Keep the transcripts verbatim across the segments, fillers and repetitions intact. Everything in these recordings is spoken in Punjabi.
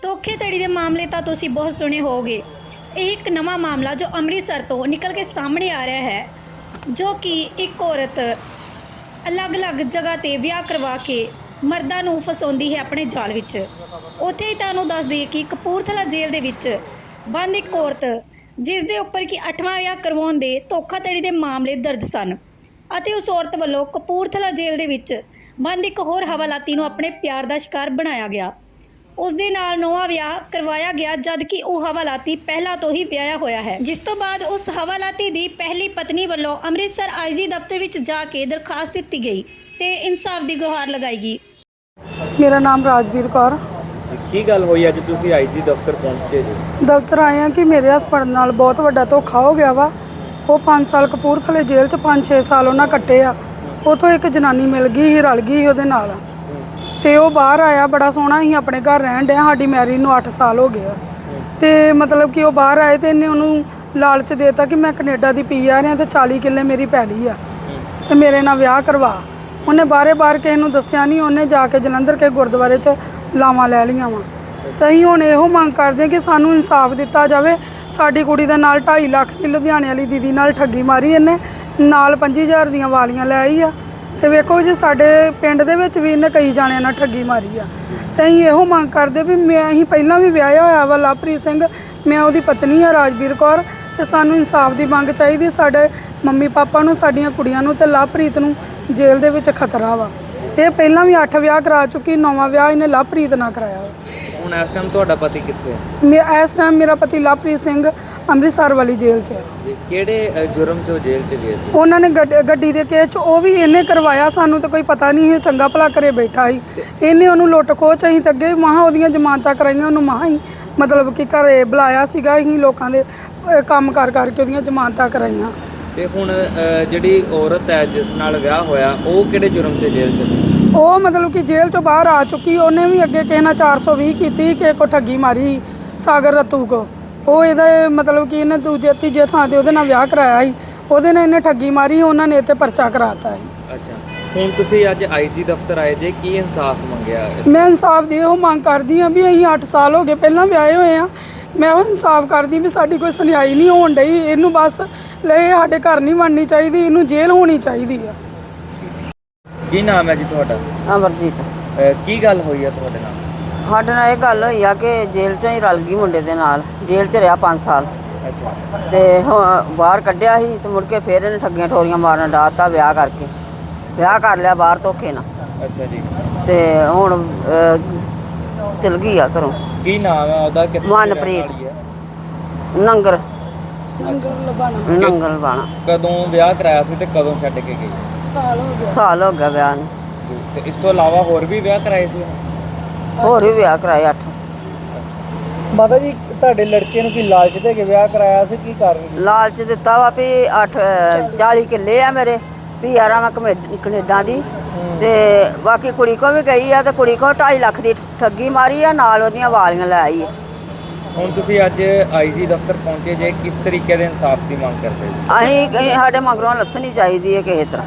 ਧੋਖੇਧੜੀ ਦੇ ਮਾਮਲੇ ਤਾਂ ਤੁਸੀਂ ਬਹੁਤ ਸੁਣੇ ਹੋਵੋਗੇ। ਇਹ ਇੱਕ ਨਵਾਂ ਮਾਮਲਾ ਜੋ ਅੰਮ੍ਰਿਤਸਰ ਤੋਂ ਨਿਕਲ ਕੇ ਸਾਹਮਣੇ ਆ ਰਿਹਾ ਹੈ, ਜੋ ਕਿ ਇੱਕ ਔਰਤ ਅਲੱਗ-ਅਲੱਗ ਜਗ੍ਹਾ ਤੇ ਵਿਆਹ ਕਰਵਾ ਕੇ ਮਰਦਾਂ ਨੂੰ ਫਸਾਉਂਦੀ ਹੈ ਆਪਣੇ ਜਾਲ ਵਿੱਚ। ਉੱਥੇ ਹੀ ਤੁਹਾਨੂੰ ਦੱਸ ਦਈਏ ਕਿ ਕਪੂਰਥਲਾ ਜੇਲ੍ਹ ਦੇ ਵਿੱਚ ਬੰਦ ਇੱਕ ਔਰਤ, ਜਿਸ ਦੇ ਉੱਪਰ ਕਿ ਅੱਠਵਾਂ ਵਿਆਹ ਕਰਵਾਉਣ ਦੇ ਧੋਖਾਧੜੀ ਦੇ ਮਾਮਲੇ ਦਰਜ ਸਨ, ਅਤੇ ਉਸ ਔਰਤ ਵੱਲੋਂ ਕਪੂਰਥਲਾ ਜੇਲ੍ਹ ਦੇ ਵਿੱਚ ਬੰਦ ਇੱਕ ਹੋਰ ਹਵਾਲਾਤੀ ਨੂੰ ਆਪਣੇ ਪਿਆਰ ਦਾ ਸ਼ਿਕਾਰ ਬਣਾਇਆ ਗਿਆ। ਉਸ ਦੇ ਨਾਲ ਨਵਾਂ ਵਿਆਹ ਕਰਵਾਇਆ ਗਿਆ, ਜਦ ਕਿ ਉਹ ਹਵਾਲਾਤੀ ਪਹਿਲਾਂ ਤੋਂ ਹੀ ਵਿਆਹਿਆ ਹੋਇਆ ਹੈ। ਜਿਸ ਤੋਂ ਬਾਅਦ ਉਸ ਹਵਾਲਾਤੀ ਦੀ ਪਹਿਲੀ ਪਤਨੀ ਵੱਲੋਂ ਅੰਮ੍ਰਿਤਸਰ ਆਈ ਜੀ ਦਫ਼ਤਰ ਵਿੱਚ ਜਾ ਕੇ ਦਰਖਾਸਤ ਦਿੱਤੀ ਗਈ ਤੇ ਇਨਸਾਫ ਦੀ ਗੁਹਾਰ ਲਗਾਈ ਗਈ। ਮੇਰਾ ਨਾਮ ਰਾਜਵੀਰ ਕੌਰ। ਕੀ ਗੱਲ ਹੋਈ ਅੱਜ ਤੁਸੀਂ ਆਈ ਜੀ ਦਫ਼ਤਰ ਪਹੁੰਚੇ ਜੀ? ਦਫ਼ਤਰ ਆਏ ਆ ਕਿ ਮੇਰੇ ਹਸਬੰਡ ਨਾਲ ਬਹੁਤ ਵੱਡਾ ਧੋਖਾ ਹੋ ਗਿਆ ਵਾ। ਉਹ ਪੰਜ ਸਾਲ ਕਪੂਰਥਲੇ ਜੇਲ੍ਹ 'ਚ ਪੰਜ ਛੇ ਸਾਲ ਉਹਨਾਂ ਕੱਟੇ ਆ। ਉੱਥੋਂ ਇੱਕ ਜਨਾਨੀ ਮਿਲ ਗਈ ਸੀ, ਰਲ ਗਈ ਸੀ ਉਹਦੇ ਨਾਲ, ਤੇ ਉਹ ਬਾਹਰ ਆਇਆ। ਬੜਾ ਸੋਹਣਾ ਸੀ, ਆਪਣੇ ਘਰ ਰਹਿਣ ਡਿਆ। ਸਾਡੀ ਮੈਰਿਜ ਨੂੰ ਅੱਠ ਸਾਲ ਹੋ ਗਏ ਆ। ਤੇ ਮਤਲਬ ਕਿ ਉਹ ਬਾਹਰ ਆਏ ਤੇ ਇਹਨੇ ਉਹਨੂੰ ਲਾਲਚ ਦੇਤਾ ਕਿ ਮੈਂ ਕੈਨੇਡਾ ਦੀ ਪੀ ਆ ਰਿਹਾ ਤੇ ਚਾਲੀ ਕਿੱਲੇ ਮੇਰੀ ਪੈਲੀ ਆ ਤੇ ਮੇਰੇ ਨਾਲ ਵਿਆਹ ਕਰਵਾ। ਉਹਨੇ ਬਾਰੇ ਬਾਰ ਕਿਸੇ ਨੂੰ ਦੱਸਿਆ ਨਹੀਂ। ਉਹਨੇ ਜਾ ਕੇ ਜਲੰਧਰ ਕੇ ਗੁਰਦੁਆਰੇ 'ਚ ਲਾਵਾਂ ਲੈ ਲਈਆਂ ਵਾ। ਤਾਂ ਅਸੀਂ ਹੁਣ ਇਹੋ ਮੰਗ ਕਰਦੇ ਹਾਂ ਕਿ ਸਾਨੂੰ ਇਨਸਾਫ ਦਿੱਤਾ ਜਾਵੇ। ਸਾਡੀ ਕੁੜੀ ਦੇ ਨਾਲ ਢਾਈ ਲੱਖ ਦੀ ਲੁਧਿਆਣੇ ਵਾਲੀ ਦੀਦੀ ਨਾਲ ਠੱਗੀ ਮਾਰੀ ਇਹਨੇ, ਨਾਲ ਪੰਜੀ ਹਜ਼ਾਰ ਦੀਆਂ ਵਾਲੀਆਂ ਲੈ ਆਈ ਆ। ਤੇ ਵੇਖੋ ਜੀ, ਸਾਡੇ ਪਿੰਡ ਦੇ ਵਿੱਚ ਵੀ ਇਹਨੇ ਕਈ ਜਾਣਿਆਂ ਨਾਲ ਠੱਗੀ ਮਾਰੀ ਆ। ਤੇ ਅਸੀਂ ਇਹੋ ਮੰਗ ਕਰਦੇ ਵੀ ਮੈਂ ਅਸੀਂ ਪਹਿਲਾਂ ਵੀ ਵਿਆਹਿਆ ਹੋਇਆ ਵਾ ਲਵਪ੍ਰੀਤ ਸਿੰਘ, ਮੈਂ ਉਹਦੀ ਪਤਨੀ ਆ ਰਾਜਵੀਰ ਕੌਰ। ਤੇ ਸਾਨੂੰ ਇਨਸਾਫ ਦੀ ਮੰਗ ਚਾਹੀਦੀ। ਸਾਡੇ ਮੰਮੀ ਪਾਪਾ ਨੂੰ, ਸਾਡੀਆਂ ਕੁੜੀਆਂ ਨੂੰ ਤੇ ਲਵਪ੍ਰੀਤ ਨੂੰ ਜੇਲ੍ਹ ਦੇ ਵਿੱਚ ਖਤਰਾ ਵਾ। ਇਹ ਪਹਿਲਾਂ ਵੀ ਅੱਠ ਵਿਆਹ ਕਰਾ ਚੁੱਕੀ, ਨੌਵਾਂ ਵਿਆਹ ਇਹਨੇ ਲਵਪ੍ਰੀਤ ਨਾਲ ਕਰਾਇਆ ਵਾ। ਹੁਣ ਇਸ ਟਾਈਮ ਤੁਹਾਡਾ ਪਤੀ ਕਿੱਥੇ ਹੈ? ਮੈਂ ਇਸ ਟਾਈਮ ਮੇਰਾ ਪਤੀ ਲਵਪ੍ਰੀਤ ਸਿੰਘ ਅੰਮ੍ਰਿਤਸਰ ਵਾਲੀ ਜੇਲ੍ਹ 'ਚ ਹੈ। ਕਿਹੜੇ ਜੁਰਮ 'ਚੋਂ ਜੇਲ੍ਹ 'ਚ ਗਏ ਸੀ? ਉਹਨਾਂ ਨੇ ਗੱਡੀ ਦੇ ਕੇਸ 'ਚ, ਉਹ ਵੀ ਇਹਨੇ ਕਰਵਾਇਆ। ਸਾਨੂੰ ਤਾਂ ਕੋਈ ਪਤਾ ਨਹੀਂ ਸੀ, ਚੰਗਾ ਭਲਾ ਘਰੇ ਬੈਠਾ ਸੀ। ਇਹਨੇ ਉਹਨੂੰ ਲੁੱਟ ਖੋਹ 'ਚ ਅਸੀਂ ਤਾਂ ਅੱਗੇ ਮਹਾਂ ਉਹਦੀਆਂ ਜ਼ਮਾਨਤਾਂ ਕਰਾਈਆਂ, ਉਹਨੂੰ ਮਹਾਂ ਹੀ ਮਤਲਬ ਕਿ ਘਰੇ ਬੁਲਾਇਆ ਸੀਗਾ। ਅਸੀਂ ਲੋਕਾਂ ਦੇ ਕੰਮ ਕਰ ਕਰਕੇ ਉਹਦੀਆਂ ਜ਼ਮਾਨਤਾਂ ਕਰਾਈਆਂ। ਤੇ ਹੁਣ ਜਿਹੜੀ ਔਰਤ ਹੈ ਜਿਸ ਨਾਲ ਵਿਆਹ ਹੋਇਆ, ਉਹ ਕਿਹੜੇ ਜੁਰਮ 'ਚ ਜੇਲ੍ਹ 'ਚ ਸੀ? ਉਹ ਮਤਲਬ ਕਿ ਜੇਲ੍ਹ ਤੋਂ ਬਾਹਰ ਆ ਚੁੱਕੀ। ਉਹਨੇ ਵੀ ਅੱਗੇ ਕਿਸੇ ਨਾਲ ਚਾਰ ਸੌ ਵੀਹ ਕੀਤੀ, ਕਿਸੇ ਕੋ ਠੱਗੀ ਮਾਰੀ, ਸਾਗਰ ਰਤੂ ਕੋ। ਉਹ ਇਹਦਾ ਮਤਲਬ ਕਿ ਇਹਨੇ ਦੂਜੇ ਤੀਜੇ ਥਾਂ ਤੇ ਉਹਦੇ ਨਾਲ ਵਿਆਹ ਕਰਾਇਆ ਸੀ। ਉਹਦੇ ਨਾਲ ਇਹਨੇ ਠੱਗੀ ਮਾਰੀ, ਉਹਨਾਂ ਨੇ ਇਹ 'ਤੇ ਪਰਚਾ ਕਰਾਤਾ ਸੀ। ਅੱਛਾ, ਹੁਣ ਤੁਸੀਂ ਅੱਜ ਆਈ ਜੀ ਦਫ਼ਤਰ ਆਏ ਜੇ, ਕੀ ਇਨਸਾਫ ਮੰਗਿਆ? ਮੈਂ ਇਨਸਾਫ ਦੀ ਉਹ ਮੰਗ ਕਰਦੀ ਹਾਂ ਵੀ ਅਸੀਂ ਅੱਠ ਸਾਲ ਹੋ ਗਏ ਪਹਿਲਾਂ ਵਿਆਹੇ ਹੋਏ ਆ। ਮੈਂ ਉਹ ਇਨਸਾਫ ਕਰਦੀ ਵੀ ਸਾਡੀ ਕੋਈ ਸੁਣਵਾਈ ਨਹੀਂ ਹੋਣ ਡਈ। ਇਹਨੂੰ ਬਸ ਲੈ ਸਾਡੇ ਘਰ ਨਹੀਂ ਬਣਨੀ ਚਾਹੀਦੀ, ਇਹਨੂੰ ਜੇਲ੍ਹ ਹੋਣੀ ਚਾਹੀਦੀ ਆ। ਕੀ ਨਾਮ ਹੈ ਜੀ ਤੁਹਾਡਾ? ਅਮਰਜੀਤ। ਕੀ ਗੱਲ ਹੋਈ ਹੈ ਤੁਹਾਡੇ ਨਾਲ? ਸਾਡੇ ਨਾਲ ਇਹ ਗੱਲ ਹੋਈ ਆ ਕਿ ਜੇਲ੍ਹ 'ਚੋਂ ਹੀ ਰਲ ਗਈ ਮੁੰਡੇ ਦੇ ਨਾਲ। ਜੇਲ੍ਹ 'ਚ ਰਿਹਾ ਪੰਜ ਸਾਲ ਅੱਛਾ। ਤੇ ਹੁਣ ਬਾਹਰ ਕੱਢਿਆ ਸੀ ਤੇ ਮੁੜ ਕੇ ਫਿਰ ਇਹਨੇ ਠੱਗੀਆਂ ਠੋਰੀਆਂ ਮਾਰਨ ਡਾਤਾ। ਵਿਆਹ ਕਰਕੇ ਵਿਆਹ ਕਰ ਲਿਆ ਬਾਹਰ ਧੋਖੇ ਨਾਲ। ਅੱਛਾ ਜੀ। ਤੇ ਹੁਣ ਚਲ ਗਈ ਆ ਘਰੋਂ। ਕੀ ਨਾਮ ਹੈ ਉਹਦਾ? ਮਨਪ੍ਰੀਤ ਨੰਗਰ ਨੰਗਰ ਲਬਾਣਾ। ਨੰਗਰ ਲਬਾਣਾ। ਕਦੋਂ ਵਿਆਹ ਕਰਾਇਆ ਸੀ ਤੇ ਕਦੋਂ ਛੱਡ ਕੇ ਗਈ? ਸਾਲ ਹੋ ਗਿਆ। ਸਾਲ ਹੋ ਗਿਆ ਵਿਆਹ ਨੂੰ। ਤੇ ਇਸ ਤੋਂ ਇਲਾਵਾ ਹੋਰ ਵੀ ਵਿਆਹ ਕਰਾਏ ਸੀ? ਹੋਰ ਵੀ ਵਿਆਹ ਕਰਾਏ ਅੱਠ। ਮਾਤਾ ਜੀ, ਤੁਹਾਡੇ ਲੜਕੇ ਨੂੰ ਕੀ ਲਾਲਚ ਦੇ ਕੇ ਵਿਆਹ ਕਰਾਇਆ ਸੀ? ਕੀ ਕਾਰਨ? ਲਾਲਚ ਦਿੱਤਾ ਵਾ ਵੀ ਅੱਠ ਚਾਲੀ ਕਿੱਲੇ ਆ ਮੇਰੇ, ਵੀ ਯਾਰਾਂ ਮੈਂ ਕੈਨੇਡਾ ਦੀ। ਤੇ ਬਾਕੀ ਕੁੜੀ ਕੋ ਵੀ ਗਈ ਆ ਤੇ ਕੁੜੀ ਕੋ ਢਾਈ ਲੱਖ ਦੀ ਠੱਗੀ ਮਾਰੀ ਆ, ਨਾਲ ਉਹਦੀਆਂ ਵਾਲੀਆਂ ਲੈ ਆਈ। ਹੁਣ ਤੁਸੀਂ ਅੱਜ ਆਈ ਜੀ ਦਫ਼ਤਰ ਪਹੁੰਚੇ ਜੇ, ਕਿਸ ਤਰੀਕੇ ਦੇ ਇਨਸਾਫ ਦੀ ਮੰਗ ਕਰਦੇ ਜੀ? ਅਸੀਂ ਸਾਡੇ ਮਗਰੋਂ ਲੱਥਣੀ ਚਾਹੀਦੀ ਹੈ ਕਿਸੇ ਤਰ੍ਹਾਂ।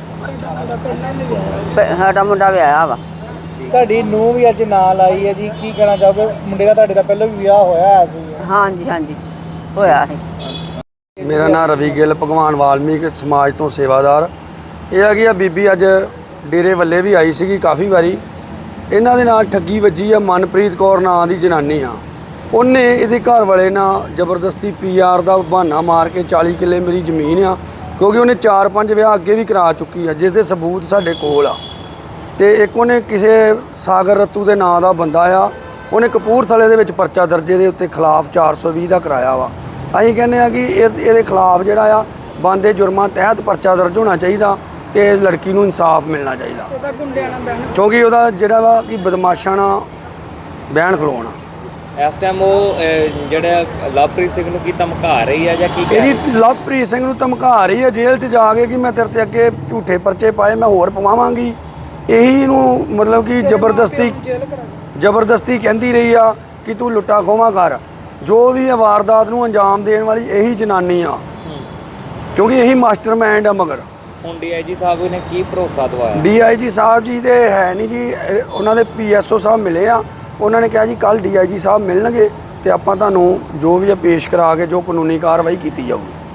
ਸਾਡਾ ਮੁੰਡਾ ਵਿਆਹਿਆ ਵਾ। ਤੁਹਾਡੀ ਨੂੰਹ ਵੀ ਅੱਜ ਨਾਲ ਆਈ ਹੈ ਜੀ, ਕੀ ਕਹਿਣਾ ਚਾਹੋਗੇ? ਮੁੰਡੇ ਦਾ ਤੁਹਾਡੇ ਦਾ ਪਹਿਲਾਂ ਵੀ ਵਿਆਹ ਹੋਇਆ ਸੀ? ਹਾਂਜੀ ਹਾਂਜੀ ਹੋਇਆ ਸੀ। ਮੇਰਾ ਨਾਮ ਰਵੀ ਗਿੱਲ, ਭਗਵਾਨ ਵਾਲਮੀਕ ਸਮਾਜ ਤੋਂ ਸੇਵਾਦਾਰ। ਇਹ ਹੈਗੀ ਆ ਬੀਬੀ ਅੱਜ ਡੇਰੇ ਵੱਲੇ ਵੀ ਆਈ ਸੀਗੀ ਕਾਫੀ ਵਾਰੀ। ਇਹਨਾਂ ਦੇ ਨਾਲ ਠੱਗੀ ਵੱਜੀ ਆ। ਮਨਪ੍ਰੀਤ ਕੌਰ ਨਾਂ ਦੀ ਜਨਾਨੀ ਆ। ਉਹਨੇ ਇਹਦੇ ਘਰ ਵਾਲੇ ਨਾਲ ਜ਼ਬਰਦਸਤੀ ਪੀ ਆਰ ਦਾ ਬਹਾਨਾ ਮਾਰ ਕੇ ਚਾਲੀ ਕਿੱਲੇ ਮੇਰੀ ਜ਼ਮੀਨ ਆ, ਕਿਉਂਕਿ ਉਹਨੇ ਚਾਰ ਪੰਜ ਵਿਆਹ ਅੱਗੇ ਵੀ ਕਰਾ ਚੁੱਕੀ ਆ, ਜਿਸ ਦੇ ਸਬੂਤ ਸਾਡੇ ਕੋਲ ਆ। ਤੇ ਇੱਕ ਉਹਨੇ ਕਿਸੇ ਸਾਗਰ ਰਤੂ ਦੇ ਨਾਂ ਦਾ ਬੰਦਾ ਆ, ਉਹਨੇ ਕਪੂਰਥਲੇ ਦੇ ਵਿੱਚ ਪਰਚਾ ਦਰਜੇ ਦੇ ਉੱਤੇ ਖਿਲਾਫ ਚਾਰ ਸੌ ਵੀਹ ਦਾ ਕਰਾਇਆ ਵਾ। ਅਸੀਂ ਕਹਿੰਦੇ ਆ ਕਿ ਇਹ ਇਹਦੇ ਖਿਲਾਫ ਜਿਹੜਾ ਆ ਬੰਦੇ ਜੁਰਮਾਂ ਤਹਿਤ ਪਰਚਾ ਦਰਜ ਹੋਣਾ ਚਾਹੀਦਾ ਤੇ ਲੜਕੀ ਨੂੰ ਇਨਸਾਫ ਮਿਲਣਾ ਚਾਹੀਦਾ, ਕਿਉਂਕਿ ਉਹਦਾ ਜਿਹੜਾ ਵਾ ਕਿ ਬਦਮਾਸ਼ਾਂ ਨਾਲ ਬਹਿਣ ਖਲੋਣਾ। ਇਸ ਟਾਈਮ ਉਹ ਜਿਹੜਾ ਲਵਪ੍ਰੀਤ ਸਿੰਘ ਨੂੰ ਕੀ ਧਮਕਾ ਰਹੀ ਹੈ ਜਾਂ ਕੀ? ਇਹਦੀ ਲਵਪ੍ਰੀਤ ਸਿੰਘ ਨੂੰ ਧਮਕਾ ਰਹੀ ਹੈ ਜੇਲ੍ਹ 'ਚ ਜਾ ਕੇ ਕਿ ਮੈਂ ਤੇਰੇ ਤੇ ਅੱਗੇ ਝੂਠੇ ਪਰਚੇ ਪਾਏ, ਮੈਂ ਹੋਰ ਪਵਾਵਾਂਗੀ। ਇਹੀ ਇਹਨੂੰ ਮਤਲਬ ਕਿ ਜ਼ਬਰਦਸਤੀ ਜ਼ਬਰਦਸਤੀ ਕਹਿੰਦੀ ਰਹੀ ਆ ਕਿ ਤੂੰ ਲੁੱਟਾ ਖੋਹਾਂ ਕਰ। ਜੋ ਵੀ ਇਹ ਵਾਰਦਾਤ ਨੂੰ ਅੰਜਾਮ ਦੇਣ ਵਾਲੀ ਇਹੀ ਜਨਾਨੀ ਆ, ਕਿਉਂਕਿ ਇਹੀ ਮਾਸਟਰਮਾਈਂਡ ਆ। ਮਗਰ ਹੁਣ ਡੀ ਆਈ ਜੀ ਸਾਹਿਬ ਨੇ ਕੀ ਭਰੋਸਾ ਦਵਾਇਆ? ਡੀ ਆਈ ਜੀ ਸਾਹਿਬ ਜੀ ਦੇ ਹੈ ਨਹੀਂ ਜੀ, ਉਹਨਾਂ ਦੇ ਪੀ ਐਸ ਓ ਸਾਹਿਬ ਮਿਲੇ ਆ, ਉਹਨਾਂ ਨੇ ਕਿਹਾ ਜੀ ਕੱਲ ਡੀ ਆਈ ਜੀ ਸਾਹਿਬ ਮਿਲਣਗੇ ਤੇ ਆਪਾਂ ਤੁਹਾਨੂੰ ਜੋ ਵੀ ਹੈ ਪੇਸ਼ ਕਰਾ ਕੇ ਜੋ ਕਾਨੂੰਨੀ ਕਾਰਵਾਈ ਕੀਤੀ ਜਾਊਗੀ।